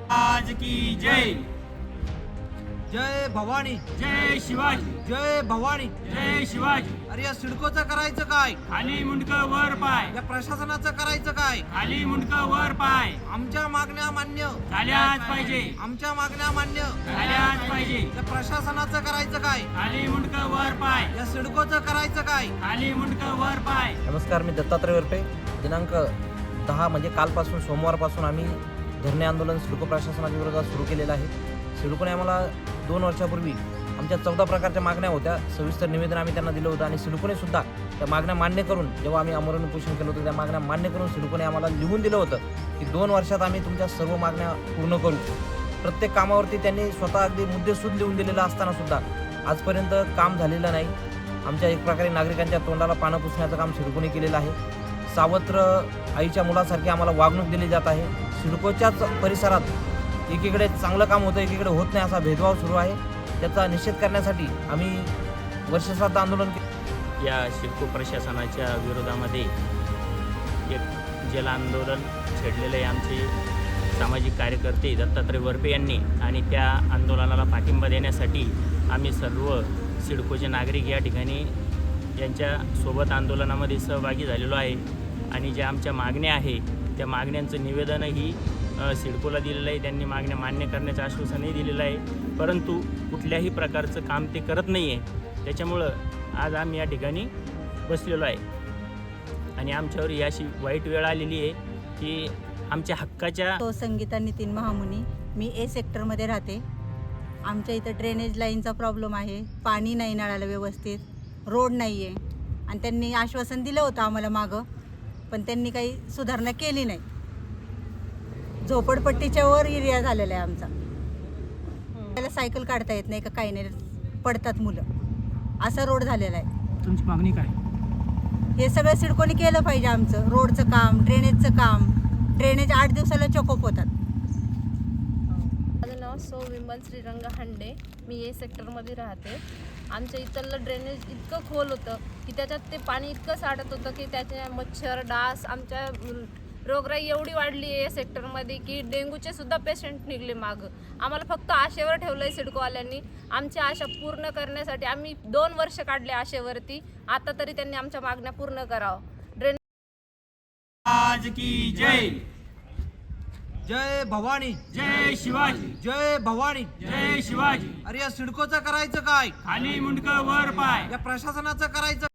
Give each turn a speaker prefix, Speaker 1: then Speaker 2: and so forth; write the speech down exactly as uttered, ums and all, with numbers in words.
Speaker 1: आज की जय।
Speaker 2: जय भवानी,
Speaker 1: जय शिवाजी,
Speaker 2: जय भवानी।
Speaker 1: जय शिवाजी।
Speaker 2: अरे या सिडकोचं करायचं काय?
Speaker 1: खाली मुंडक वर पाय,
Speaker 2: या प्रशासनाचं करायचं काय?
Speaker 1: खाली मुंडक वर पाय,
Speaker 2: आमच्या मागण्या मान्य
Speaker 1: झाल्याच पाहिजे,
Speaker 2: आमच्या मागण्या मान्य
Speaker 1: झाल्याच पाहिजे।
Speaker 2: या प्रशासनाचं करायचं काय?
Speaker 1: खाली मुंडक वर पाय,
Speaker 2: या सिडकोचं करायचं काय?
Speaker 1: खाली मुंडक वर पाय।
Speaker 3: नमस्कार, मी दत्तात्रय वरपे. दिनांक दहा म्हणजे कालपासून सोमवारपासून आम्ही धरणे आंदोलन सिडको प्रशासनाच्या विरोधात सुरू केलेलं आहे. सिडकोने आम्हाला दोन वर्षापूर्वी आमच्या चौदा प्रकारच्या मागण्या होत्या. सविस्तर निवेदन आम्ही त्यांना दिलं होतं आणि सिडकोने सुद्धा त्या मागण्या मान्य करून, जेव्हा आम्ही आमरण उपोषण केलं होतं त्या मागण्या मान्य करून सिडकोने आम्हाला लिहून दिलं होतं की दोन वर्षात आम्ही तुमच्या सर्व मागण्या पूर्ण करू. प्रत्येक कामावरती त्यांनी स्वतः अगदी मुद्देसूद लिहून दिलेलं असताना सुद्धा आजपर्यंत काम झालेलं नाही. आमच्या एक प्रकारे नागरिकांच्या तोंडाला पानं पुसण्याचं काम सिडकोने केलेलं आहे. सावत्र आईच्या मुलासारखी आम्हाला वागणूक दिली जात आहे. सिडकोच्याच परिसरात एकीकडे चांगलं काम होतं, एकीकडे होत नाही असा भेदभाव सुरू आहे. त्याचा निषेध करण्यासाठी आम्ही वर्षश्राद्ध आंदोलन केलं.
Speaker 4: या सिडको प्रशासनाच्या विरोधामध्ये एक जल आंदोलन छेडलेले आहे आमचे सामाजिक कार्यकर्ते दत्तात्रय वरपे यांनी, आणि त्या आंदोलनाला पाठिंबा देण्यासाठी आम्ही सर्व सिडकोचे नागरिक या ठिकाणी यांच्या सोबत आंदोलनामध्ये सहभागी झालेलो आहे. आणि ज्या आमच्या मागण्या आहे त्या मागण्यांचं निवेदनही सिडकोला दिलेलं आहे. त्यांनी मागण्या मान्य करण्याचं आश्वासनही दिलेलं आहे, परंतु कुठल्याही प्रकारचं काम ते करत नाही आहे. त्याच्यामुळं आज आम्ही या ठिकाणी बसलेलो आहे आणि आमच्यावर ही अशी वाईट वेळ आलेली आहे की आमच्या हक्काच्या.
Speaker 5: तो संगीता नितीन महामुनी, मी ए सेक्टरमध्ये राहते. आमच्या इथं ड्रेनेज लाईनचा प्रॉब्लेम आहे, पाणी नाही नळाला व्यवस्थित, रोड नाही आहे. आणि त्यांनी आश्वासन दिलं होतं आम्हाला मागं, पण त्यांनी काही सुधारणा केली नाही. झोपडपट्टीच्या वर एरिया झालेला आहे आमचा. त्याला सायकल काढता येत नाही का, काही नाही, पडतात मुलं, असा रोड झालेला आहे.
Speaker 1: तुमची मागणी काय?
Speaker 5: हे सगळं सिडकोने केलं पाहिजे. आमचं रोडचं काम, ड्रेनेजचं काम. ड्रेनेज आठ दिवसाला चोकअप होतात.
Speaker 6: माझं नाव सौ विमल श्रीरंग हांडे, मी ए सेक्टरमध्ये राहते. आमच्या इथलं ड्रेनेज इतकं खोल होतं की त्याच्यात ते पाणी इतकं साठत होतं की त्याचे मच्छर डास, आमच्या रोगराई एवढी वाढली आहे सेक्टरमध्ये की डेंग्यूचे सुद्धा पेशंट निघले मागं. आम्हाला फक्त आशेवर ठेवलं आहे सिडकोवाल्यांनी. आमच्या आशा पूर्ण करण्यासाठी आम्ही दोन वर्ष काढले आशेवरती. आता तरी त्यांनी आमच्या मागण्या पूर्ण करावं. ड्रेन
Speaker 1: आज की जय।
Speaker 2: जय भवानी,
Speaker 1: जय शिवाजी,
Speaker 2: जय भवानी।
Speaker 1: जय शिवाजी।
Speaker 2: अरे या सिडकोचं करायचं काय?
Speaker 1: खाली मुंडक वर पाय,
Speaker 2: या प्रशासनाचं करायचं